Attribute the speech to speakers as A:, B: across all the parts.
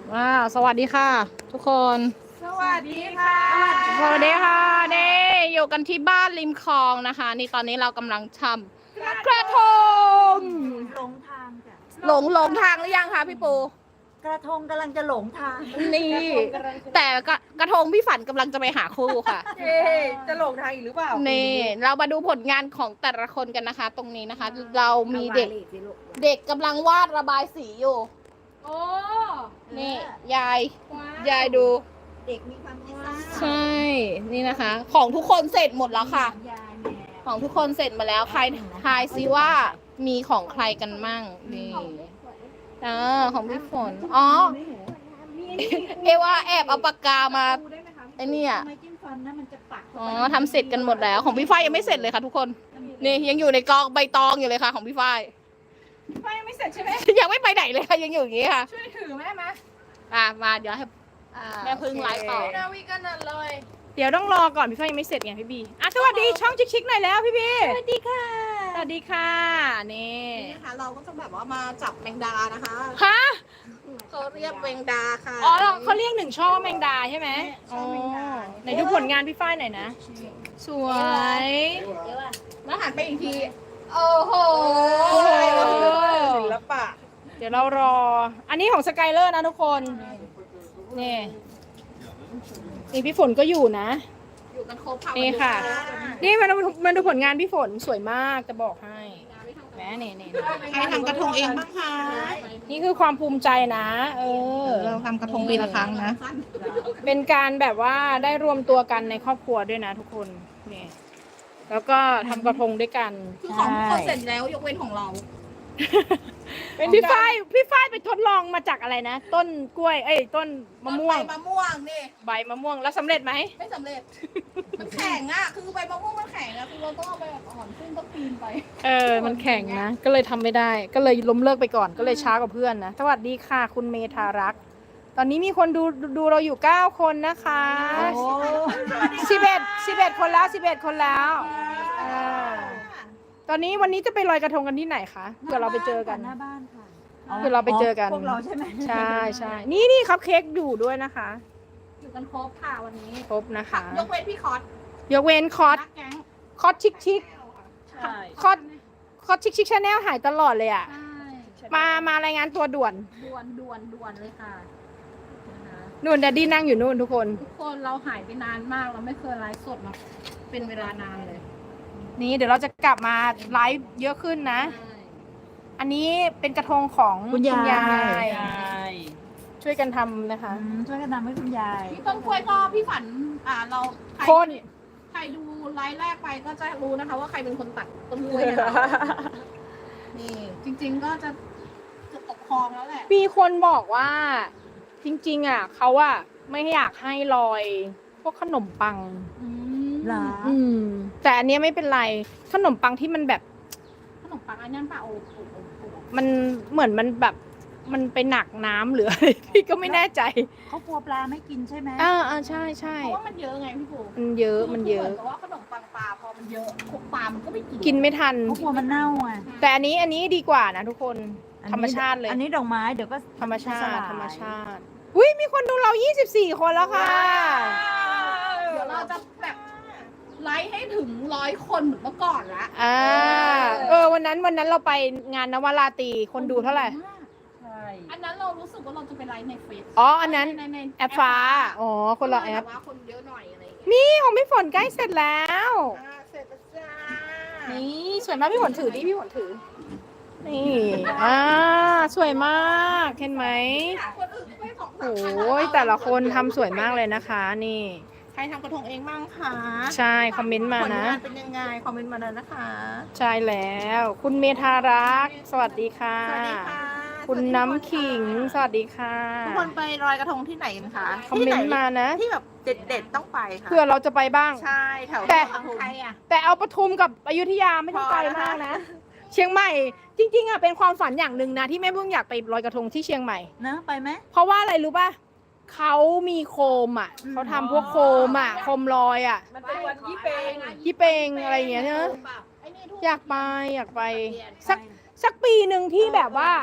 A: สวัสดีค่ะ ทุกคน
B: สวัสดีค่ะ
A: สวัสดีค่ะนี่อยู่กันที่บ้านริมคลองนะคะ นี่ตอนนี้เรากำลังทำกระทง
B: หลงทางจ้ะ
A: หลงทางหรือยังคะพี่ปู
B: กระทงกำลังจะหลงทาง
A: นี่แต่กระทงพี่ฝันกำลังจะไปหาคู่ค่ะ
C: จะหลงทางอีกหรือเปล่า
A: นี่เรามาดูผลงานของแต่ละคนกันนะคะ ตรงนี้นะคะ เรามีเด็กกำลังวาดระบายสีอยู่
C: โอ้
A: นี่ยายดู
B: เด็กมีความคิดสร้างสรรค์
A: ใช่ นี่นะคะ ของทุกคนเสร็จหมดแล้วค่ะ
B: ยายแม่
A: ของทุกคนเสร็จมาแล้วใครทายซิว่ามีของใครกันมั่งนี่ของพี่ฝนอ๋อเอว่าแอบเอาปากกามาไอเนี่ย
B: ทำไมจิ้มฟันนะมันจะปัก
A: อ๋อทำเสร็จกันหมดแล้วของพี่ฝ้ายยังไม่เสร็จเลยค่ะทุกคนนี่ยังอยู่ในกองใบตองอยู่เลยค่ะ ของพี่ฝ้าย
C: ไฟยังไม่เสร็จใช่ไหม
A: ยังไม่ไปไหนเลยค่ะยังอยู่อย่างนี้ค่ะ
C: ช่วยถือแม่ไหม
A: มาเดี๋ยวให้แม่พึ่งไลฟ์ต่อ
C: นาวิกันนั่นเลย
A: เดี๋ยวต้องรอก่อนพี่ฝ้ายยังไม่เสร็จไงพี่บีสวัสดีช่องชิคๆหน่อยแล้วพี่บี
B: สวัสดีค่ะ
A: สวัสดีค่ะนี่
D: นี่นะคะเราก็จะแบบว่ามาจับแมงดานะคะ
A: ฮะ
D: เขาเรียกแมงดาค่ะ
A: อ๋อเขาเรียกหนึ่งช่อแมงดาใช่ไหม
D: ช่อแมงดา
A: ไหนดูผลงานพี่ฝ้ายหน่อยนะ สวย
D: แล้วหันไปอีกที
A: โอ้โห
C: ศิลปะ
A: เดี๋ยวเรารอ อันนี้ของสกายเลอร์นะทุกคน นี่นี่พี่ฝนก็อยู่นะ
D: อยู่กันครบค่ะ
A: นี่ค่ะ นี่มาดูผลงานพี่ฝนสวยมากจะบอกให้แหมนี่
D: ใครทำกระทงเองบ้างคะ
A: นี่คือความภูมิใจนะ
D: เราทำกระทงปีละครั้งนะ
A: เป็นการแบบว่าได้รวมตัวกันในครอบครัวด้วยนะทุกคนนี่แล้วก็ทำกระทงด้วยกัน
D: คือของทุกคนเสร็จแล้วยกเว้นของเรา
A: เป็นพี่ฝ้ายไปทดลองมาจากอะไรนะ ต้นกล้วยต้นมะม่วง
D: ใบมะม่วงนี่
A: ใบมะม่วงแล้วสำเร็จไหม
D: ไม่สำเร็จ มันแข็งอ่ะ คือใบมะม่วงมันแข็งอ่ะ คือเราต้องเอาไปอ่อนขึ้นต้องปีนไป
A: มันแข็งนะ ก็เลยทำไม่ได้ ก็เลยล้มเลิกไปก่อน ก็เลยช้ากว่าเพื่อนนะ สวัสดีค่ะ คุณเมธารักษ์ตอนนี้มีคนดูเราอยู่9คนนะคะ11คนแล้ว11คนแล้วตอนนี้วันนี้จะไปลอยกระทงกันที่ไหนคะเผื่อเราไปเจอกัน
B: หน้าบ้านค่ะ
A: เผื่อเราไปเจอกัน
B: พวกเราใช่ไหม
A: ใช่นี่คัพเค้กอยู่ด้วยนะคะ
D: อยู่กันครบค่ะวันนี้
A: ครบนะคะ
D: ยกเว้นพี่คอส
A: ยกเว้นคอส
D: นักแก๊ง
A: ชิค
C: ใช่
A: คอสชิคชาแนลหายตลอดเลยอ่ะ
D: ใช่
A: มารายงานตัวด่วน
D: ด่วนเลยค่ะนะคะ
A: นู่นแดดดี้นั่งอยู่นู่นทุกคน
D: ทุกคนเราหายไปนานมากเราไม่เคยไลฟ์สดมาเป็นเวลานานเลย
A: นี่เดี๋ยวเราจะกลับมาไลฟ์เยอะขึ้นนะ อันนี้เป็นกระทงของ
B: คุณยาย
C: ใช่
A: ช่วยกันทำนะคะ
B: ช่วยกันทำให้คุณยาย
D: พี่ต้นกล้วยก็พี่ฝันเราใคร
A: คน
D: ใครดูไลฟ์แรกไปก็จะรู้นะคะ ว่าใครเป็นคนตัดต้นกล้วยนะคะนี่จริง ๆก็จะตกคลองแล้วแหละ
A: มีคนบอกว่าจริงๆอ่ะเขาอ่ะไม่อยากให้ลอยพวกขนมปัง
B: เหรอ
A: แต่อันเนี้ยไม่เป็นไรขนมปังที่มันแบบ
D: ขนมปังอันนั้นป่ะโอ้
A: มันเหมือนมันแบบมันไปหนักน้ำหรืออะไร พี่ก็ไม่แน่ใจ
B: เขากลัวปลาไม่กินใช่ไหม
A: ใช่
D: เพราะว่ามันเยอะไงพี่ปู
A: มันเยอะมันเยอะ
D: หมือนกับว่าขนมปังปลาพอมันเยอะปลามันก็ไม่กิน
A: กินไม่ทัน
B: เขากลัวมันเน่าอ่ะ
A: แต่อันนี้ดีกว่านะทุกคนธรรมชาติเลย
B: อันนี้ดอกไม้เดี๋ยวก็
A: ธรรมชา
B: ส
A: ติ
B: ลย
A: ธรรมชาติอุ้ยมีคนดูเรา24คนแล้วค่ะ
D: เดี๋ยวเราจะแบบไลฟ์ให้ถึง100 คนเหมือนเมื่อก่อนละ
A: วันนั้นเราไปงานนวราตรีคนดูเท่าไหร่
C: ใช่
D: อันนั้นเรารู้สึกว่าเราจะไปไลฟ์ในเฟซ
A: อ๋ออันนั้น
D: ใน
A: แอปฟ้าคนละแอป
D: ต่ว่าคนเยอะหน่อยอะไรอย่างเงี้ย
A: นี่ของพี่ฝนใกล้เสร็จแล้ว
D: เสร็จแล้วจ้า
A: นี่สวยมากพี่ฝนถือดิพี่ฝนถือ นี่สวยมากเห็นไหม
D: คนอื่นก็ไปสองสาม
A: โอ้
D: พัน
A: ยแต่ละคนทำสวยมากเลยนะคะ นี่
D: ใครทำกระทงเองบ้างคะ
A: ใช่คอมเมนต์มา
D: ผล
A: นะ
D: งานเป็นยังไงคอมเมนต์มาเลยนะคะ
A: ใช่แล้ว คุณเมธารักษ์สวัสดีค่ะ
D: สวัสดีค่ะ
A: คุณน้ำขิงสวัสดีค่ะ
D: ทุกคนไปลอยกระทงที่ไหนกันคะ
A: คอมเมนต์มานะ
D: ที่แบบเด็ดๆต้องไปค่ะ
A: เพื่อเราจะไปบ้าง
D: ใช่แถว
A: แต่
D: ปทุมใครอ่ะ
A: แต่เอาปทุมกับอยุธยาไม่ต้องไกลมากนะ เชียงใหม่ จริงๆอ่ะเป็นความฝันอย่างหนึ่งนะที่แม่เพิ่งอยากไปลอยกระทงที่เชียงใหม่
B: นะไปไหม
A: เพราะว่าอะไรรู้ป่ะเขามีโคมอ่ะเขาทำพวกโคมอ่ะโคมลอยอ่ะ
C: มันเป็นวันยี่เปง
A: ยี่เปงอะไรอย่างเงี้ยเนอะ
D: ไอ้นี่ทุก
A: อยากไปสักปีหนึ่งที่แบบว่า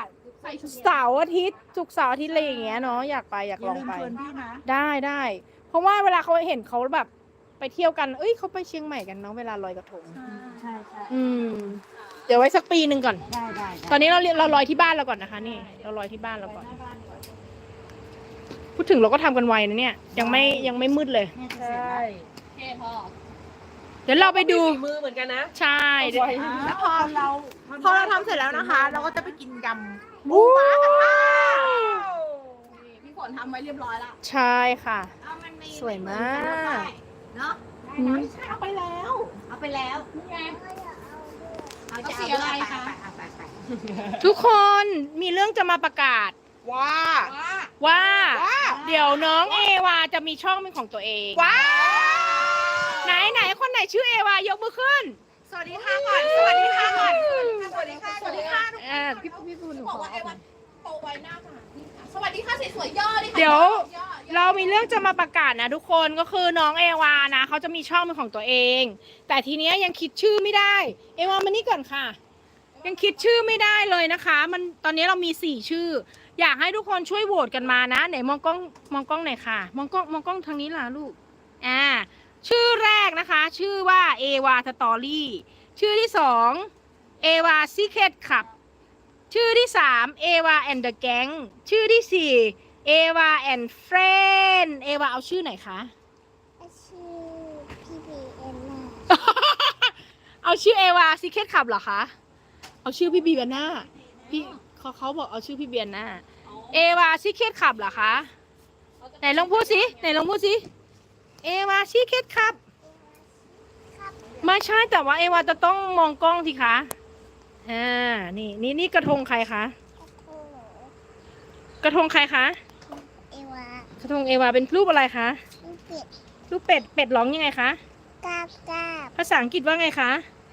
D: ส่ชุด
A: เสาร์อาทิตย์ศุกร์เสาร์อาทิตย์อะไรอย่างเงี้ยเนาะอยากไปอยาก
B: อย่า
A: ลอง
B: ลืม
A: ไป
B: ชวนพี่นะ
A: ได้เพราะว่าเวลาเขาเห็นเขาแบบไปเที่ยวกันเอ้ยเขาไปเชียงใหม่กันเนาะเวลาลอยกระทง
B: ใช่ใช่
A: เดี๋ยวไว้สักปีหนึ่งก่อน
B: ได้
A: ตอนนี้เราลอยที่บ้านเราก่อนนะคะนี่เราลอยที่บ้านเราก่อน พูดถึงเราก็ทำกันไวนะเนี่ยยังไม่มืดเลย
B: เนี่ยจะเสร็จแล้ว
D: โอเคพอ
A: เดี๋ยวเราไปดู
C: มือเหมือนกันนะ
A: ใช่
B: แล้วพอเรา
C: พอเราทำเสร็จแล้วนะคะ เราก็จะไปกินยำ
A: วู้
D: นี่พี่ฝนทำไว้เรียบร้อยละ
A: ใช่ค่ะ
D: เอามันมี
A: สวยมาก
D: เนาะ
A: อืม
D: ไม่ใช่เอาไปแล้ว
B: เอาไปแล้ว
D: นี่ไง
B: เอา
D: จะ
B: จะ
D: เสี
B: เอา
D: ยอะไรคะ
B: ไป
A: ทุกคนมีเรื่องจะมาประกาศ
C: ว้า
A: ว่า เดี๋ยวน้องเอวาจะมีช่องเป็นของตัวเอง
C: ว้า
A: ไหนคนไหนชื่อเอวายกมือขึ้น
C: สวัสดีค่ะก่อน สวัสดีค่ะก่อน สวัสดีค่ะ
D: สวัสดีค่ะ
A: พี่ปูหนู
D: บอกว่าไอ้วันโตไวหน้าค่ะนี่ค่ะสวัสดีค่ะสวยๆย่อดิค่ะ
A: เดี๋ยว
D: ย่อ
A: เรามีเรื่องจะมาประกาศนะทุกคนก็คือน้องเอวานะเขาจะมีช่องเป็นของตัวเอง แต่ทีเนี้ยยังคิดชื่อไม่ได้ เอวามานี่ก่อนค่ะ ยังคิดชื่อไม่ได้เลยนะคะ มันตอนนี้เรามี4ชื่อ อยากให้ทุกคนช่วยโหวตกันมานะไหนมองกล้องหน่อยค่ะมองกล้องทางนี้ล่ะลูกชื่อแรกนะคะ ชื่อว่าเอวาสตอรี่ชื่อที่2เอวาซีเคทขับชื่อที่3เอวาแอนด์เดอะแก๊งชื่อที่4เอวาแอนด์เฟรนเอวาเอาชื่อไหนคะ
E: ชื่อพี่บีเอ็นน่ะ
A: เอาชื่อเอวาซีเคทขับเหรอคะเอาชื่อพี่บีเบียน่าพี่เขาบอกเอาชื่อพี่เบียน่าเอวาซีเคทขับเหรอคะไหนลองพูดสิเอวาซีเคทขับไม่ใช่แต่ว่าเอวาจะต้องมองกล้องสิคะนี่กระทงใครคะ
E: โอ้โห
A: กระทงใครคะ
E: เอวาก
A: ระทงเอวาเป็นรูปอะไรคะ
E: ลูกเป็ด
A: รูปเป็ดร้องยังไงคะ
E: กาบกาบ
A: ภาษาอังกฤษว่าไงคะ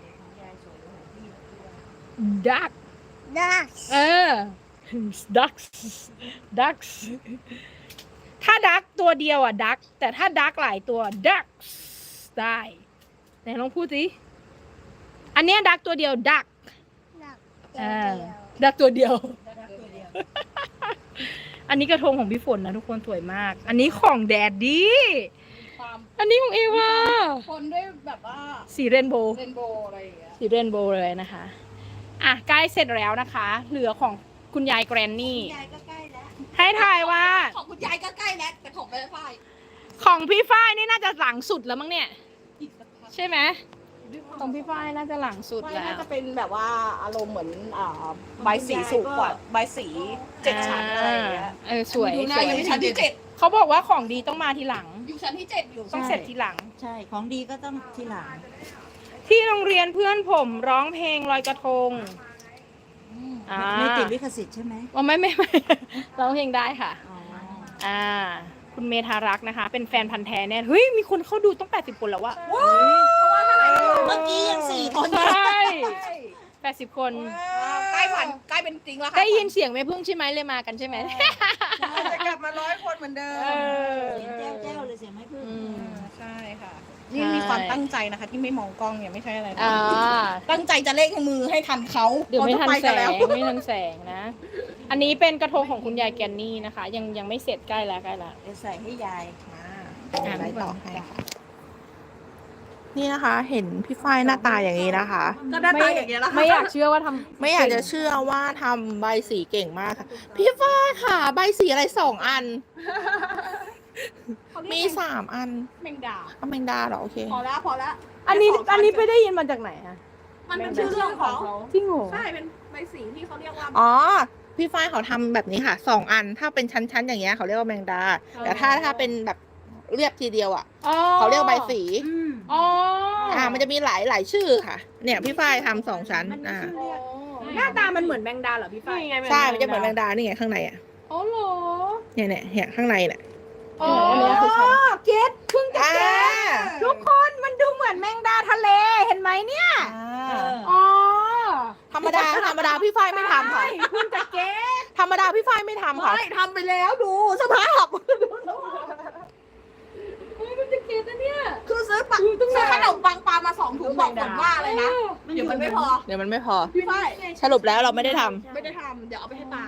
A: duck
E: ดัก
A: ducks ถ้า duck ตัวเดียวอ่ะ duck แต่ถ้า duck หลายตัว ducks ได้ไหนลองพูดสิอันเนี้ย duck ตัวเดียว duck
E: ดักเดียว
A: duck ตัวเดียว อันนี้กระทงของพี่ฝนนะทุกคนสวยมาก อันนี้ของแดดดี้
D: ความ
A: อันนี้ของเอวา
D: คนด้วยแบบว่า
A: สีเรนโบว์
D: เรนโบว์อะไรอย่างเงี้ย
A: สีเรนโบว์เลยนะคะอ่ะใกล้เสร็จแล้วนะคะ เหลือของคุณยายแกรนนี่
B: ยายก็ใกล้แล้ว
A: ให้ทายว่า
D: ของคุณยายก็ใกล้แล้วแต่ของแม่ฝ้าย
A: ของพี่ฝ้ายนี่น่าจะหลังสุดแล้วมั้งเนี่ย
D: อีกสักพัก
A: ใช่ไหมของพี่ฝ้ายน่าจะหลังสุด
D: ไม่
A: แล้
D: น่าว จะเป็นแบบว่าอารมณ์เหมือนใบสีสูงกว่าใบสี7 ชั้นอะไรอย่างเงี้ย
A: สวย
D: ดูหน้าอยู่ชั้นที่
A: เขาบอกว่าของดีต้องมาทีหลัง
D: 7อยู่ชั้นที่7อยู่
A: ต้องเสร็จทีหลัง
B: ใช่ของดีก็ต้องทีหลัง
A: ที่โรงเรียนเพื่อนผมร้องเพลงลอยกระทงอ่า
B: ไม่ติดลิขสิทธิ์ใช่ไหม
A: อ๋อไม่ ร้องเพลงได้ค่ะ
B: อ๋อ
A: คุณเมธารักษ์นะคะ เป็นแฟนพันธ์แท้แน่เฮ้ยมีคนเข้าดูต้อง80 คนแล้วอะ
B: เมื่อกี้ยัง4 คน
A: ใช่80 คน
D: ใกล้ฝันใกล้เป็นจริงแล้วค่ะ
A: ได้ยินเสียงแม่พึ่งใช่ไหมเลยมากันใช่ไหม
C: จะกลับมา100 คนเหมือนเดิม
B: เสียงแจ้วเลยเสียงไม่พึ่ง
C: ใช่ค่ะ
D: นี่มีความตั้งใจนะคะ ที่ไม่มองกล้องเนี่ยไม่ใช่อะไรนะ
A: อ่า
D: ตั้งใจจะเล่งมือให้ทันเขา
A: เดี๋ยวไม่ทัน
D: ขา
A: แส
D: จะปกัแล้ว
A: งไม่ทันแสงนะ อันนี้เป็นกระทงของคุณยายแกนนี่นะคะ ยังไม่เสร็จใกล้แล้ว
B: เดี๋ยวใส่ให้ยาย
C: ไปต่อให้ค่ะนี่นะคะ เห็นพี่ฝ้ายหน้าตาอย่างนี้นะคะ
D: ก็หน้าตาอย่างเงี้ยแล้วค่ะ
A: ไม่อยากเชื่อว่าทำ
C: ไม่อยากจะเชื่อว่าทำใบสีเก่งมากค่ะ พี่ฝ้ายค่ะ ใบสีอะไร2 อัน มี3 อัน
D: แมงดา
C: อเมงดาเหรอโอเค
D: พอแล้วพอแล้ว
A: อันนี้ไปได้ยินมาจากไหนอะ
D: มันเป็นชื่อเรื่องของเขา
A: จริงเหรอ
D: ใช่เป็นใบสีที่เขาเรียกว่า
C: อ๋อ พี่ฝ้ายเขาทำแบบนี้ค่ะ2 อัน ถ้าเป็นชั้นๆอย่างเงี้ยเขาเรียกว่าแมงดา แต่ถ้าเป็นแบบเรียบทีเดียวอ่ะ
A: อ๋อ
C: เขาเรียกใบสี
A: อ๋อ
C: มันจะมีหลายชื่อค่ะ เนี่ยพี่ฝ้ายทำ2 ชั้น
A: หน้าตามันเหมือนแมงดาเหรอพี่ฝ้าย
C: ใช่ มันจะเหมือนแมงดานี่ไงข้างในอ่ะ
A: อ๋อเหรอ
C: เนี่ยข้างในเนี่ย
A: อ๋อ
C: อันนี้คือชั้น
A: เก็ตเพิ่งจะ
C: อ่า
A: เก็ตทุกคนมันดูเหมือนแมงดาทะเลเห็นไหมเนี่ย อ๋อ
C: ธรรมดาพี่ฝ้ายไม่ทำค่ะ
A: เพิ่งจะเก็ต
C: ธรรมดาพี่ฝ้ายไม่ทำค่ะ
D: ไม่ทำไปแล้วดูสภาพ
A: เฮ้ยมันจะเก็ตนะเนี่ย
D: คือซื้อ
A: ต้อง
D: ซื้อ
A: มา
D: ขนมปังปลามา2 ถุงบอกก่อนว่าอะไรนะ เดี๋ยวมันไม่พอ
C: เดี๋ยวมันไม่พอ
D: พี่ฝ้าย
C: สรุปแล้วเราไม่ได้ทำ
D: ไม่ได้ทำเดี๋ยวเอาไปให้ตา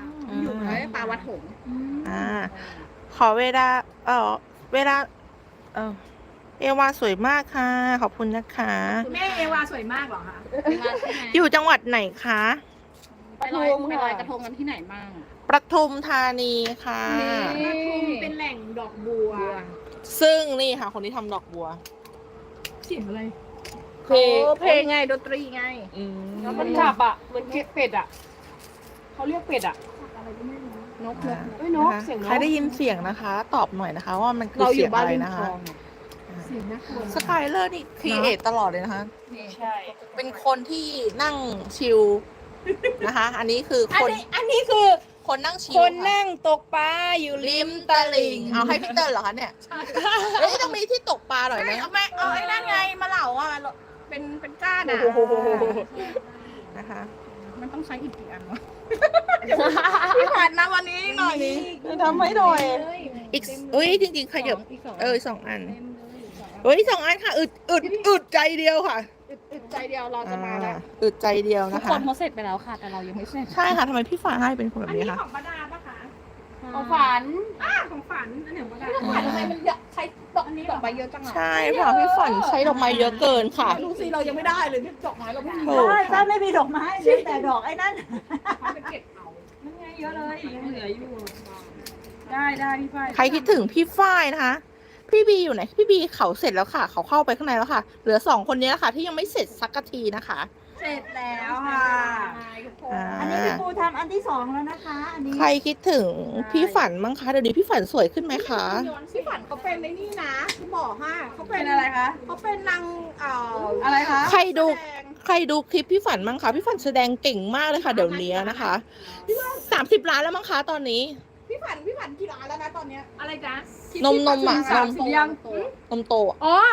D: อยู่ไหนปลาวัดหงส์
C: อ่า ขอเวลา เวลา เอวาสวยมากค่ะ ขอบคุณนะคะ
D: แม่เอวาสวยมากเหรอคะ
C: อยู่จังหวัดไหนคะ
A: ไปลอยกระทงกันที่ไหนบ้าง
C: ประทุมธานีค่ะ
D: ปทุมเป็นแหล่งดอกบัว
C: ซึ่งนี่ค่ะ คนที่ทำดอกบัว
D: เสียงอะไร
A: เพลงไงดนตรีไง
D: แล้วมันจับอ่ะเหมือนเป็ดอ่ะเขาเรียกเป็ดอ่ะ
A: นก
D: เอ้ยนก
C: นะคะ
D: เสียงนก
C: ใครได้ยินเสียงนะคะ ตอบหน่อยนะคะ ว่ามันคือเสียงอะไรนะคะ
D: เสียงน่ากลัว
C: สกายเลอร์นี่ครีเอทตลอดเลยนะคะ
D: ใช่
C: เป็นคนที่นั่งชิลนะคะ อันนี้คือ
A: อัน
C: คน
A: นี้อันนี้คือ
C: คนนั่งชิล
A: คน
C: ค่ะ
A: นั่งตกปลาอยู่ริ
C: ริ
A: ม
C: มตลิ่ง เอาให้พี่เติ้ลเหรอคะเนี่ยเอ้ยต้องมีที่ตกปลาหน่อยไหม
A: เอาไม่เอาไอ้นั่นไงมาเหล่าอ่ะเป็นก้านอ่ะ
C: นะคะ
A: มันต้องใช้อีกกี่อันวะพี่ผ่านนะวันนี้หน่อยนี้
C: ทำให้หน่อย อีกเอ้ยจริงๆขยับ
A: อีกสอง
C: สองอันเอ้ย2 อันค่ะ อึดใจเดียวค่ะ
A: อึดใจเดียวเราจะมาแล้ว
C: อึดใจเดียว
A: ทุ
C: นะ
A: ก
C: คะ
A: คนเขาเสร็จไปแล้วค่ะ แต่เรายังไม่เสร็จ
C: ใช่ค่ะทำไมพี่ฟ้าให้เป็นคนแบ
D: อั
C: บ
D: น
C: นี้
D: นี้
C: คะ
D: ของป้าดาปะคะ
A: ของฝัน
D: ของฝันอันไหนของป้าดา
A: ฝันทำไมมันเยอะใช้ดอกนี้ดอกใบเยอะจังอ่ะ
C: ใช่ค่ะพี่ฝันใช้ดอกไม้เยอะเกินค่ะ
A: ดูสิเรายังไม่ได้เลยที่ดอกไม้เราไม่มี
C: โอ้
B: ใช่ป้าไม่มีดอกไม้เหลือแต่ดอกไอ้นั่น
D: เขาไปเก็บเอานั่นไงเยอะเลยยังเหลืออยู่ ได้พี่ฝ้าย
C: ใครคิดถึงพี่ฝ้ายนะคะ พี่บีอยู่ไหนพี่บีเขาเสร็จแล้วค่ะ เขาเข้าไปข้างในแล้วค่ะ เหลือ2 คนนี้แล้วค่ะ ที่ยังไม่เสร็จสักทีนะคะ
D: เสร็จแล้วค่ะ
B: อันนี้พี่ปูทำอันที่สองแล้วนะคะ อันนี้
C: ใครคิดถึงพี่ฝันมั้งคะเดี๋ยวนี้พี่ฝันสวยขึ้นไหมคะ
A: พี่ฝันเขาเป็นในนี่นะที่บอกฮะเขาเป็
D: เป็น นอะไรคะ
A: เขาเป็นนาง
D: อะไรคะ
C: ใครดูคลิปพี่ฝันมั้งคะพี่ฝันแสดงเก่งมากเลยค่ะ เดี๋ยวนี้นะคะ30 ล้านแล้วมั้งคะตอนนี้
A: พี่ฝันกี่ล้านแล้วนะตอนเนี้ย
D: อะไรจ๊ะ
C: นมอ่ะ
D: สามสิบยัง
C: นมโตอะ
A: อ๋อ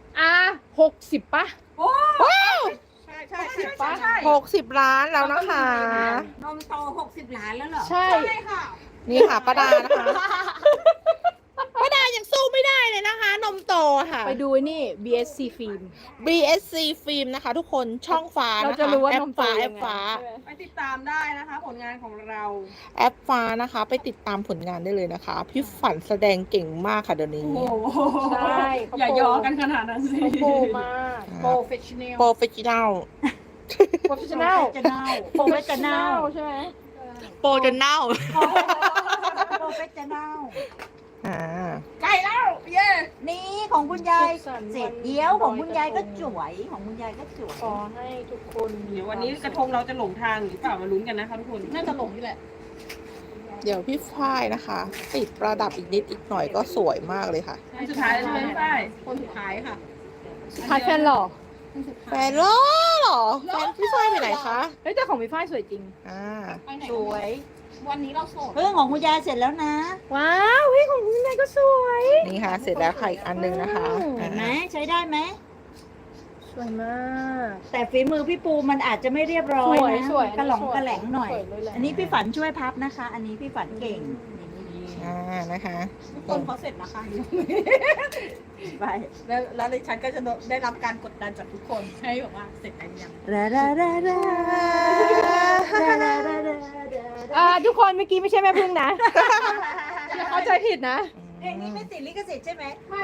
A: 60 ป่ะ ใช่10 ป่ะ
C: 60 ล้านแล้วนะคะ
B: นมโต60 ล้านแล้วเหรอ
A: ใช่
D: ใช่ค่ะ
C: นี่ค่ะป้าดานะคะป้าดายังสู้ไม่ได้เลยนะคะ นมโตค่ะ
A: ไปดูนี่ BSC ฟิล์ม
C: BSC ฟิล์มนะคะ ทุกคนช่องฟ้า
A: เรา
C: นะคะ
A: จะรู้ว่า
C: แอป
A: นมโต
C: ฟ้า
A: ยั
C: แอง ป
A: ไง
C: ฟ้า
D: ไปติดตามได้นะคะ ผลงานของเรา
C: แอปฟ้านะคะ ไปติดตามผลงานได้เลยนะคะ พี่ฝันแสดงเก่งมากค่ะเดี๋ยวนี้
A: ใช่เขา
D: อย่าย่อกันขนาดนั้นสิ
A: เขาโปรมาก
C: ครับ
A: professional
C: โปรเฟชชั่น l
A: professional
B: จะเน่าโปรเฟชจะเน่า
A: ใช่ไหม
C: โปรจนเน่า
B: โปรเฟชจะเน่า
C: อ่า
A: ใกล้แล้ว เย้
B: นี่ของคุณยาย
A: สุขสันต์
B: เสร็จ
A: วัน
B: เดียวของคุณยายก็
A: วัน
B: สวยของคุณยายก็สวย
A: ขอให้ทุกคน
D: เดี๋ยววันนี้กระทงเราจะหลงทางหรือเปล่ามาลุ้นกันนะคะทุกคน
A: น่าจะหลงนี่แหละ
C: เดี๋ยวพี่ฝ้ายนะคะ ติดประดับอีกนิดอีกหน่อยก็สวยมากเลยค่ะ
D: อันสุดท้ายแล้วใช่ไหมพี่ฝ้าย
A: คนสุดท้ายค่ะ
C: แฟนหรอแฟนเหรอแฟนพี่ฝ้ายไปไหนคะ
A: เฮ้ยแต่ของพี่ฝ้ายสวยจริง
C: อ่า
A: ไปไหน
B: สวย
A: วันนี้เราโสด
B: เรื่องของคุณยายเสร็จแล้วนะ
A: ว้าวเฮ้ยของคุณนายก็สวย
C: นี่ค่ะ เสร็จแล้วค่ะอีกอันหนึงนะคะ
B: เห็นไหมใช้ได้ไหม
A: สวยมาก
B: แต่ฝีมือพี่ปูมันอาจจะไม่เรียบร้อยนะ
A: สวย
B: กระหล่องกระแหลงหน่อย
A: สวยเลยแหละ
B: อันนี้พี่ฝันช่วยพับนะคะ อันนี้พี่ฝันเก่ง
C: อ่านะคะ
A: ทุกคนเขาเสร็จนะคะ
B: ไป
A: แล้วดิฉันก็จะได้รับการกดดันจากทุกคนให้แบบว่าเสร็จกันยัง
B: รารารารารารารารา
A: ทุกคนเมื่อกี้ไม่ใช่แม่พึ่งนะอย่าเข้าใจผิดนะ
B: เพลงนี้ไม่ติดลิขสิทธิ์ใช่ไหม
A: ไม่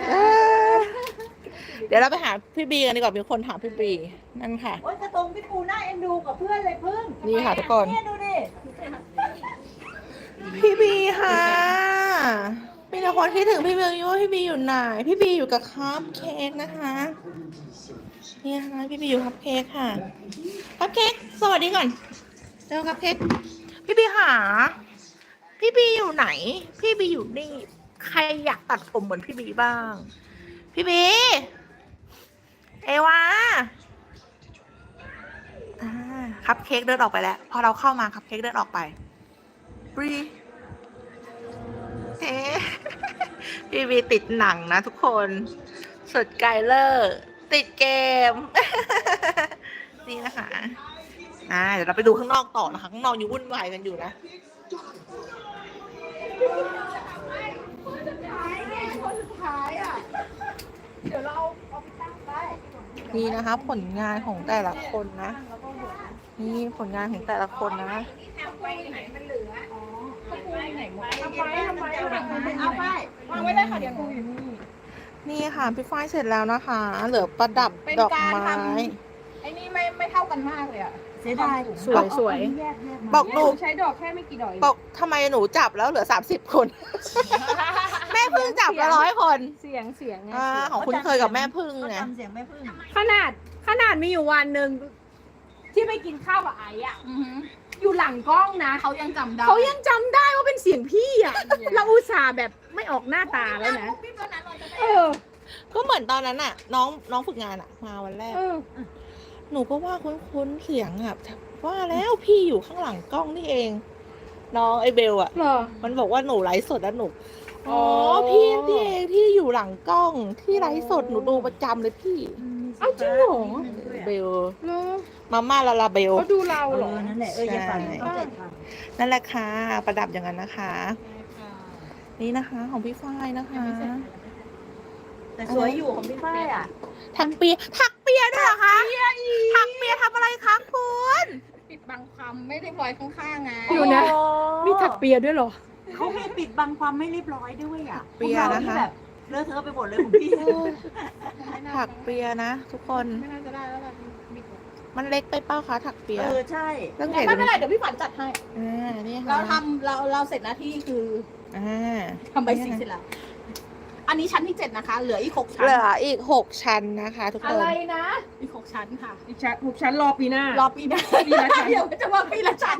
C: เดี๋ยวเราไปหาพี่บีกันดีกว่ามีคนถามพี่บีนั่นค่ะ
B: โอ๊ยกระทงพี่ปูน่าเอ็นดูกับเพื่อนเลยพึ่ง
C: นี่ค่ะทุกคน
B: เนี่ยดูดิ
C: พี่บีค่ะมีแต่คนคิดถึงพี่บีว่าพี่บีอยู่ไหนพี่บีอยู่กับคัพเค้กนะคะนี่ค่ะพี่บีอยู่คัพเค้กค่ะคัพเค้กสวัสดีก่อนเจ้าคัพเค้กพี่บีหาพี่บีอยู่ไหน พี่บีอยู่นี่ใครอยากตัดผมเหมือนพี่บีบ้าง พี่บีเอวาคัพเค้กเดินออกไปแล้วพอเราเข้ามาคัพเค้กเดินออกไปบรีเอ๊ะ พี่บีติดหนังนะทุกคนสุดไกลเลอร์ติดเกม นี่นะคะเดี๋ยวเราไปดูข้างนอกต่อนะคะข้างนอกยังวุ่นวายกันอยู่นะนี่นะคะผลงานของแต่ละคนนะนี่ผลงานของแต่ละคนนะ
A: แถวไปไหนมันเหลือ
B: เอาไป
D: วางไว้ได้ค่ะเดี๋ยวหนูอยู่นี่
C: นี่ค่ะพี่ฝ้ายเสร็จแล้วนะคะ เหลือประดับ
D: เป็น
C: ดอก
D: การ
C: ไม้
D: ทำ ไอ้นี่ไม่เท่ากันมากเลยอ่ะ
B: เสียดาย
A: สวย
B: แยกมา
C: บอก
D: ห
C: หนู
D: นูใช้ดอกแค่ไม่กี่ดอกเอง
C: บอกทำไมหนูจับแล้วเหลือ30 คน แม่พึ่งจับละ100 คน
A: เสียงไง
C: ของคุณเคยกับแม่พึ่ง
B: เขา
C: ไง
B: จำเสียงแม่พึ่ง
A: ขนาดมีอยู่วันหนึ่งที่ไปกินข้าวกับไอ้อะ
D: อือหือ
A: อยู่หลังกล้องนะ
D: เขายังจำได้
A: เขายังจำได้ว่าเป็นเสียงพี่อะเราอุตส่าห์แบบไม่ออกหน้าตาแล้วนะ
D: พี่ตัวนั้นเราจะได้
A: เออ
C: ก็เหมือนตอนนั้นน่ะ น้องฝึกงานอ่ะ มาวันแรก
A: เออ
C: หนูก็ว่าคุ้นๆเสียงอ่ะว่าแล้วพี่อยู่ข้างหลังกล้องนี่เอง น้องไอเบลอ่ะ
A: เหรอ
C: มันบอกว่าหนูไลฟ์สดแล้วหนู
A: อ๋
C: อ๋
A: อ
C: อพี่นี่เองที่อยู่หลังกล้องที่ไลฟ์สดหนูดูประจำเลยพี่
A: เอาจริงเหรอ
C: เบล
A: เหรอ
C: มาม่าลาลาเบล
A: เขาดูเรา
B: เอ
A: เหรอ
B: อนั่นแหละอย่าฝันเขาใจฝัน
C: นั่นแหละค่ะประดับอย่างนั้นนะคะ นี่นะคะของพี่ฝ้ายนะคะ
B: แต่สวยอยู่ของพี่ฝ้ายอ่ะ
C: ถักเปียด้วยเหรอคะถักเปียทำอะไรคะคุณ
D: ปิดบังความไม่ได้ปล่อยข้างๆไง
A: อยู่นะ มีถักเปียด้วยเหรอ
B: เขามีปิดบังความไม่เรียบร้อยด้วยอ่ะ
C: เปียนะคะ
B: พวกเราแบบเลอะเทอะไปหมดเลยของพี่
C: ถักเปียนะทุกคน
D: ไม่น่าจะได้แล้วล่ะบิด
C: มันเล็กไปเป้าคะถักเปีย
B: ใช่
C: ต้อง
D: ไม่
C: เห็น
D: เป็นไรเดี๋ยวพี่ฝันจัดให้
C: นี่ค่ะ
D: เราเสร็จหน้าที่คือ ทำใบสีเสร็จแล้ว อันนี้ชั้นที่ 7 นะคะ เหลืออีก 6 ชั้น
C: เหลืออีก6 ชั้นนะคะทุก
A: อะ
C: คน
A: ไรนะ
D: อีก 6 ชั้นค่ะ
A: อีกชั้นรอปีหน้า
D: รอปีหน้าปีละชั้นเดี๋ยวจะว่าปีละชั้น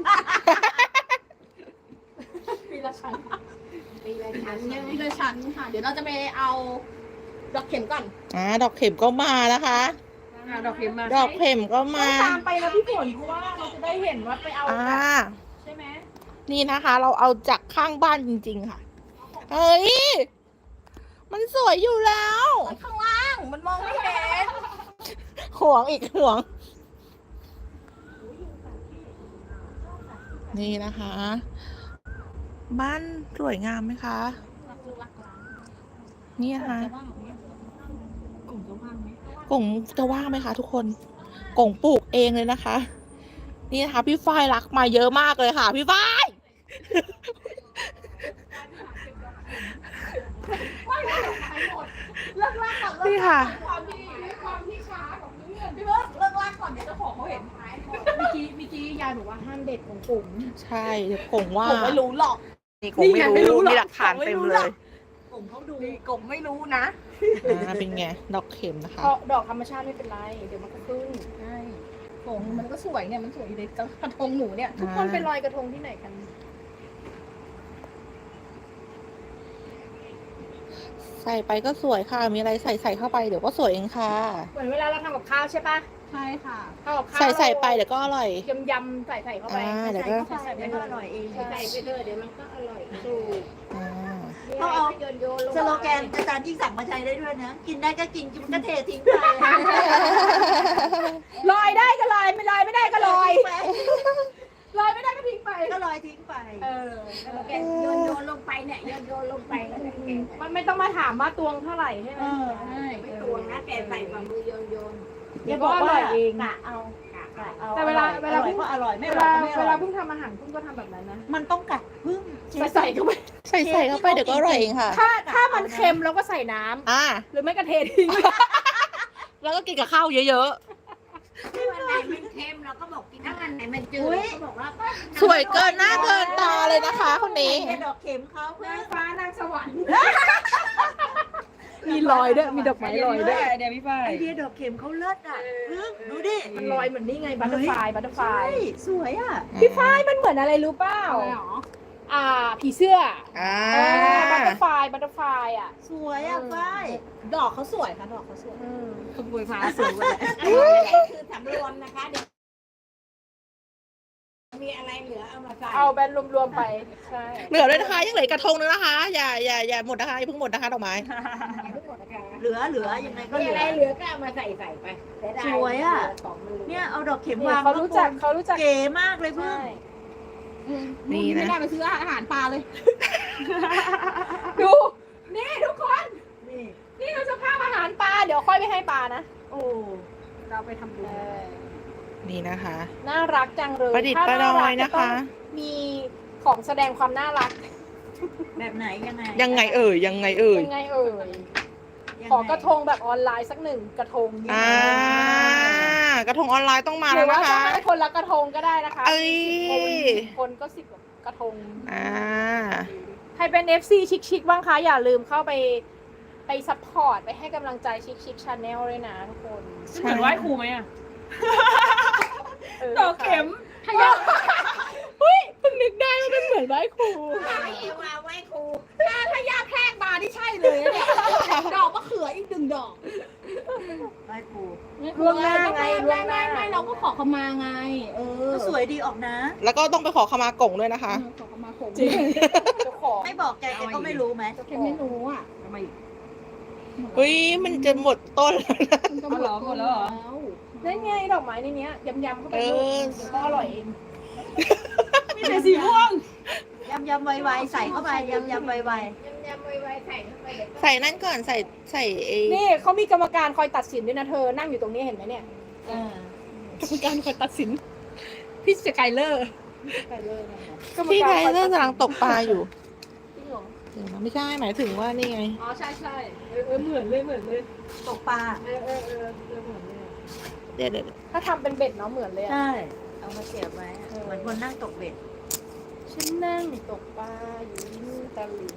D: ปีละชั้นปีละชั้นยังปีละชั้นค่ะ เดี๋ยวเราจะไปเอาดอกเข็มก่อน
C: ดอกเข็มก็มานะคะ
A: ดอกเข็มมา
C: ดอกเข็มก็มา
A: ตามไปนะพี่ฝนเพราะว่าเราจะได้เห็นว่าไปเอาแบบใช่ไหม
C: นี่นะคะ เราเอาจากข้างบ้านจริงๆค่ะ เฮ้ย มันสวยอยู่แล้ว
D: ข้างล่างมันมองไม่เห็น
C: ห่วงอีกห่วง นี่นะคะ บ้านสวยงามไหมคะ นี่นะคะกงจะว่างไหมคะทุกคนกงปลูกเองเลยนะคะ นี่นะคะ พี่ฝ้ายรักมาเยอะมากเลยค่ะ พี่ฝ้าย
D: เลิกลากก่อน
C: นี่ค่ะ
D: ความที่ช้าของเพื่อนพี่เบิร์ดเลิกลากก่อนเดี๋ยวเจ้าของเขาเห็นท้ายเมื่อกี้ยายบอกว่าห้ามเด็ดของกลุ่ม
C: ใช่เดี๋ยวกงว่า
D: ผมไม่รู้หรอก
C: นี่กงไม่รู้มีหลักฐานเต็มเลย
B: กลุ่มเขาดู
D: กบไม่รู้นะ
C: เป็นไง ดอกเข็มนะคะ
A: เพราะดอกธรรมชาติไม่เป็นไร เดี๋ยวมันก็ขึ้น
D: ใช่ผมมันก็สวยเนี่ยมันสวยอยู่ในกระทงหนูเนี่ย
A: ทุกคนไปลอยกระทงที่ไหนกัน
C: ใส่ไปก็สวยค่ะ มีอะไรใส่เข้าไปเดี๋ยวก็สวยเองค่ะ
A: เหมือนเวลาเราทำกับข้าวใช่ปะ
D: ใช่ค่ะ
A: ทำกับข้าว
C: ใส่ไปเดี๋ยวก็อร่อย
A: ยำใส่เข้าไป
C: เดี๋ยวก็
B: ใส่ไปก็อร่อยเอง
A: ใส่ไปเถอะเดี๋ยวมันก็อร่อยถูก
C: อ่า
B: ต้องเอา
A: โยนลง
B: สโลแกนอาจารย์ยิ่งสั่งมาใช้ได้ด้วยนะ กินได้ก็กินกินก็เททิ้งไป
A: ลอยได้ก็ลอยไม่ลอยไม่ได้ก็ลอยลอยไม่ได้ก็ทิ้งไป
B: ก็ลอยทิ้งไป
A: โยนลงไปเนี่ยโยนลงไปมันไม่ต้องมาถามว่าตวงเท่าไหร่ใช่ไหม
D: ใช่
A: ไม่ตวงนะแกใส่ฝ่ามือโยน
B: อย่าบอกว่า
A: เอง
B: กะเอากะเอา
A: แต่เวลา
B: อร่อยก็อร่อยไม่อร่อยก็ไม่อ
A: เว
B: ร่
A: ลา
B: อย
A: เพิ่งทำอาหารเพิ่งก็ทำแบบนั้นนะ
B: มันต้องกัดพึ่ง
A: ใส่เข้าไป
C: ใส่เข้าไปเดี๋ยวก็อร่อยเองค่ะ
A: ถ้ามันเค็มเราก็ใส่น้ำหรือไม่ก็เททิ้ง
C: แล้วก็กินกับข้าวเยอะ
E: วันไหนมันเค็มเราก็บอกกินถ้าวันไหนมันจืดเราก็บอกว่า
C: ๆ สวยเกินหน้าเกินตาเลยนะคะคนนี้
B: ดอกเข็มเขาเพื่อน
A: ฟ้านางสวรรค์มีรอยด้วยมีดอกไม้ลอยด้วย
D: เดี๋ยวพี่ฝ้าย
B: ไอเดียดอกเข็มเขาเลิศอ่ะพึ่งดูดิ
A: มันลอยเหมือนนี่ไงบัตเตอร์ฟลายบัตเตอร์ฟลา
B: ใช่
A: ย
B: สวยอ่ะ
A: พี่ฝ้ายมันเหมือนอะไรรู้เปล่า
D: อะไรหรอ
A: ผีเสื้อ บัตเตอร์ฟลายอ่ะ
B: สวยอ่ะฝ้าย
D: ดอกเขาสวยค่ะดอกเขาสวย
A: ขบวยพาสูงเลย
E: คือสำรวมนะคะเดี๋ยวมีอะไรเหลือเอามาใส่
A: เอาแบนรวมๆไปใช่
C: เหลือเลยนะคะยังเหลืออกระทงนึงนะคะ อย่าหมดนะคะอย่าเพิ่งหมดนะคะดอกไม้
B: เหลือยังไงก็
E: มี
B: เหลื
E: อะไร
B: อ
E: เหลือก็เอามาใส่ไปเสีดา
B: สวยอะ
E: ของมันเหลือ
B: เนี่ยเอาดอกเข็ม
A: เนี่ยว
B: าง
A: เขารู้จัก
B: เก๋มากเลยพึ่ง
A: ใช่
C: นี่นะ
D: ไม่ได้ไปซื้ออาหารปลาเลย
A: ดูนี่ทุกคน
B: นี่
A: นี่คือสภาพอาหารปลาเดี๋ยวค่อยไปให้ปลานะ
B: โอ้
A: เราไปทำบุญ
C: นี่นะคะ
A: น่ารักจังเลย
C: ประดิษฐ์ประดอยนะคะ
A: มีของแสดงความน่ารัก
E: แบบไหนยังไง
C: ยังไงเอ่ย
D: ยังไงเอ่ย ขอกระทงแบบออนไลน์สักหนึ่งกระทง
C: กระทงออนไลน์ต้องมา
D: หรื
C: แล้
D: อ
C: ว
D: ว่า
C: นะ
D: จะ
C: คะ
D: ให้คนละกระทงก็ได้นะคะ
C: เอ้ย
D: คนก็10กระทง ใครเป็น FC ชิคๆบ้างคะ อย่าลืมเข้าไปซัพพอร์ตไปให้กำลังใจชิคๆชาแนลด้วยนะทุกคน
C: เหมือนไหว้ครูไหม
D: ต่อเข็มถ้ายากเฮ้ยเพิ่งนึกได้ว่าเป็นเหมือนไหว้ครู
E: ไม่เอวาไว้ครู
D: ถ้าย่าแพรกมาที่ใช่เลยเนี่ยดอกมะเขืออีก1 ดอก
E: ไว้ครู
D: ล่วงหน้าไงล่วงหน้า
B: ไม่เราก็ขอเขามาไง
E: ก็สวยดีออกนะ
C: แล้วก็ต้องไปขอขมากงด้วยนะคะ
B: ขอเขามาผม
D: จริงเจ้าของ
E: ไม่บอกใจแกก็ไม่รู้ไหม
B: แค่ไม่รู้อ่ะ
C: เฮ้ย มันจะหมดต้นแล้วนะ
B: มันก็หมดแล้วเหรอ
D: นั่นไงดอกไม้ในเนี้ยยำๆเข้าไป
C: เออ
D: เดี๋ยวก็อร่อยเองมีแต่สีม่วง
E: ยำไวๆใส่เข้าไปยำไว
B: ยำไวๆใส่เข้าไปเดี๋ยว
C: ใส่นั่นก่อน ใส่เอ
D: นี่เขามีกรรมการคอยตัดสินด้วยนะเธอ นั่งอยู่ตรงนี้เห็นไหมเนี่ย
E: ๆ
D: กรรมการคอยตัดสิน พี่สกายเลอร์
C: พี่ไทเลอร์กำลังตกปลาอยู่
D: จริงเหรอ
C: เดี๋ยวนะไม่ใช่หมายถึงว่านี่ไง
D: อ๋อใช่เหมือนเลย
E: ตกปลา
D: เหมือนเลย
C: เดี๋ยว
D: ถ้าทำเป็นเบ็ดเนาะเหมือนเลยอะ
E: ใช่ เอามาเสียบไว้ เหมือนคนนั่งตกเบ็ด
D: ฉันนั่งตกปลาอยู่ริมตลิ่ง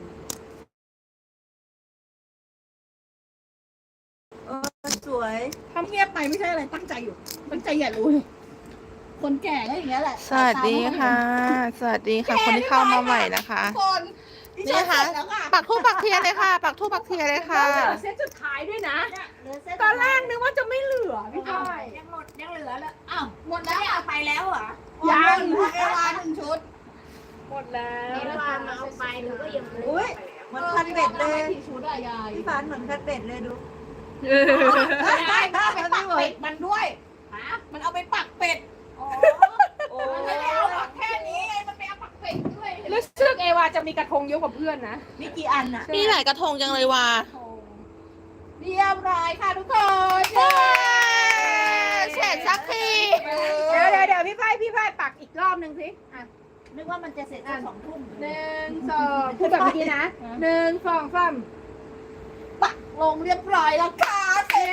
E: สวย
B: ทำเงียบไปไม่ใช่อะไรตั้งใจอยู่ ตั้งใจอย่ารู้เลยคนแก่ก็อย่างเงี้ยแหละ
C: สวัสดีค่ะ สวัสดีค่ะ คนที่เข้ามาใหม่นะคะ
B: คนที่
C: นี่
B: ฉัน
C: ค่ะ
B: เสร็จแล้วค่ะ
C: ปักทูปปักเทียนเลยค่ะ ปักทูปปักเทียนเลยค่ะ
D: เหลือเซตสุดท้ายด้วยนะ
E: เหลือเส้น
D: ตอนแรกนึกว่าจะไม่เหลือพี่พาย
E: ยังเหลือแล้ว
B: อ้าวหมด
E: แล้
B: แล้ว ว
E: เอาไปแล้วเหรอ
D: ยัง
B: เอวา1 ชุด
D: หมดแล้ว
B: เอวามาเอาไปหรือก็ยัง
E: อุ้ยเหมือนคันเบ็ดเลย
B: กี่ชุดอะยาย
E: พี่ฟานเหมือนคันเบ็ดเลยดู
B: ยายมันเอาไปปักเป็ดมันด้วยมันเอาไปปักเป็ด
E: โอ้
B: มันไม่ได้เอาปักแค่นี้ไงมันไปเอาปักเป็ดด้วย
D: รู้สึกเอวาจะมีกระทงเยอะกว่าเพื่อนนะ
E: มีกี่อันอ่ะ
C: มีหลายกระทงจังเลยว่ะ
B: เรียบร้อยค่ะทุกคน
C: เสร็จสักที
D: เดี๋ยวพี่พายปักอีกรอบนึงสิอ่ะ
E: นึกว่ามันจะเสร็จสัก2 ทุ่ม
D: 1 2พูดแบบเมื่อกี้นะ1 2 3
B: ปักลงเรียบร้อยแล้วค่ะเอ๊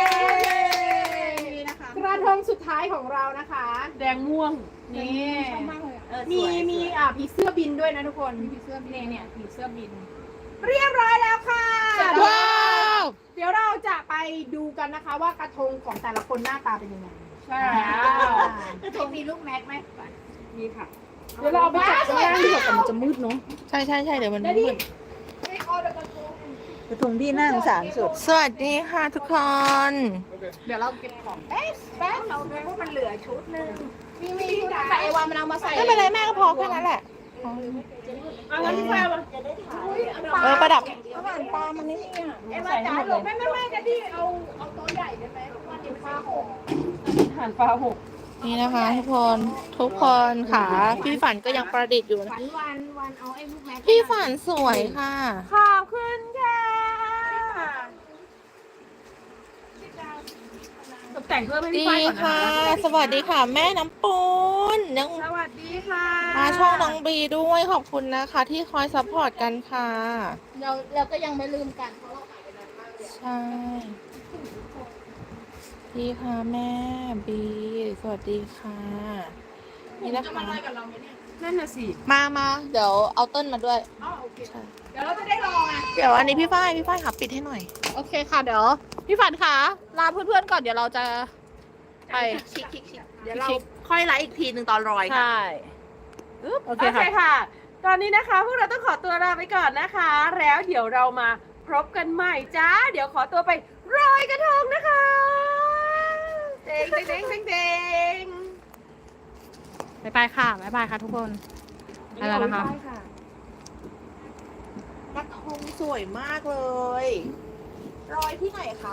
B: นะคะ
D: กระทงสุดท้ายของเรานะคะ แดงม่วงนี่
B: ชอบมากเลยอะ
D: มี
E: สวย
D: มีผีเสื้อบินด้วยนะทุกคน
B: ผีเสื้อบิน
D: เนี่ยผีเสื้อบิน เรียบร้อยแล้วค่ะ
C: ว้าว
D: เดี๋ยวเราจะไปดูกันนะคะ ว่ากระทงของแต่ละคนหน้าตาเป็นยังไง
B: ใช่
E: กระทงมีลูกแม็กไหม
D: มีค่ะ เดี๋ยวเราเอาไปจัดข้างล่างดีกว่าแต่มันจะมืดเนาะ
C: ใช่เดี๋ยวมัน
D: ได้ดิ
C: มืด
E: กระทงที่น่าสงสารสุด
C: สวัสดีค่ะทุกคน
B: เดี๋ยวเราเก็บของ
E: แป๊บเราดูว่ามันเหลือชุดนึง
B: มีแต่ไอวามันเอามาใส่
C: ไม่เป็นไรแม่ก็พอแค่นั้นแหละ
D: เอางั้นพี่แฟร์มา
E: จะได้ถ่าย
C: ประดับ
B: อาหารปลามันนี่อ่ะ
D: เอ็มจ๋าหลบไม่จะดิเอาโต๊ะใหญ่ได้ไหมวันนี้ฟ้าหกหันฟ้าหก
C: นี่นะคะทุกคนค่ะ พี่ฝันก็ยังประดิษฐ์อยู่นะ
B: วันเอาไอ้ลูกแม็ก
C: พี่ฝันสวยค่ะ
D: ขอบคุณค่ะตกแต่งเพิ่มให้พี่
C: ดี
D: ฝ้ายก่อน
C: ค่ะ
D: นะคะ
C: สวัสดีค่ะ แม่น้ำปูนยัง
D: สวัสดีค่ะ
C: มาช่องน้องบีด้วยขอบคุณนะคะ ที่คอยซัพพอร์ตกันค่ะ
B: เราก็ยังไม่ลืมกันเพราะเราหายไปนานมากเลย
C: ใช่ดีค่ะแม่บีสวัสดีค่ะ นี่นะคะ
D: นั่นน่ะสิ
C: มาเดี๋ยวเอาต้นมาด้วย
D: อ๋อโอเค
C: ใช่
D: เดี๋ยวเราจะได้ลองอ่ะ
C: เดี๋ยวอันนี้พี่ฝ้ายค่ะปิดให้หน่อย
B: โอเคค่ะเดี๋ยวพี่ฝันค่ะลาเพื่อนๆก่อนเดี๋ยวเราจะไป
C: เดี๋ยวเราค่อยไลฟ์อีกทีหนึ่งตอนรอยค่ะ
B: ใช่
D: โอเคค่ะ ตอนนี้นะคะพวกเราต้องขอตัวลาไปก่อนนะคะ แล้วเดี๋ยวเรามาพบกันใหม่จ้า เดี๋ยวขอตัวไปรอยกระทงนะคะเด้งเด้งเด้งเด้ง
B: บ๊ายบายค่ะทุกคนอะไรนะคะ
C: กระทงสวยมากเลยรอยที่ไหนคะ